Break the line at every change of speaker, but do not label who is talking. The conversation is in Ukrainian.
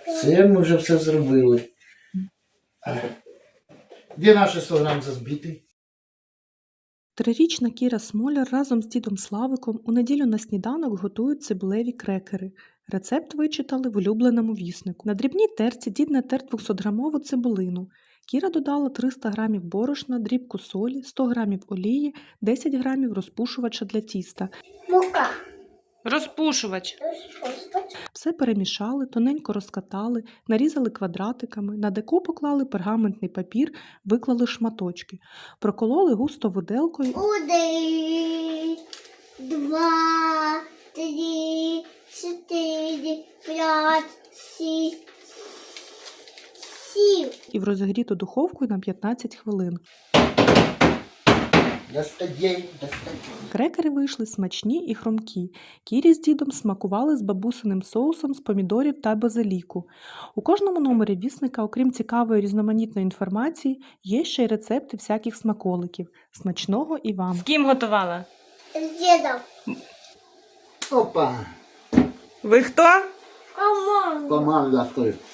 Це ми вже все зробили. Де наші 100 грам збитий?
Трирічна Кіра Смоляр разом з дідом Славиком у неділю на сніданок готують цибулеві крекери. Рецепт вичитали в улюбленому віснику. На дрібній терці дід натер 200-грамову цибулину. Кіра додала 300 грамів борошна, дрібку солі, 100 грамів олії, 10 грамів розпушувача для тіста.
Мука.
Розпушувач.
Все перемішали, тоненько розкатали, нарізали квадратиками, на деко поклали пергаментний папір, виклали шматочки. Прокололи густо виделкою.
1, 2, 3, 4, 5, 6, 7.
І в розігріту духовку на 15 хвилин.
Достаєм.
Крекери вийшли смачні і хрумкі. Кірі з дідом смакували з бабусиним соусом з помідорів та базиліку. У кожному номері вісника, окрім цікавої різноманітної інформації, є ще й рецепти всяких смаколиків. Смачного і вам!
З ким готувала?
З дідом.
Опа.
Ви хто?
Команда.
Команда стоїть.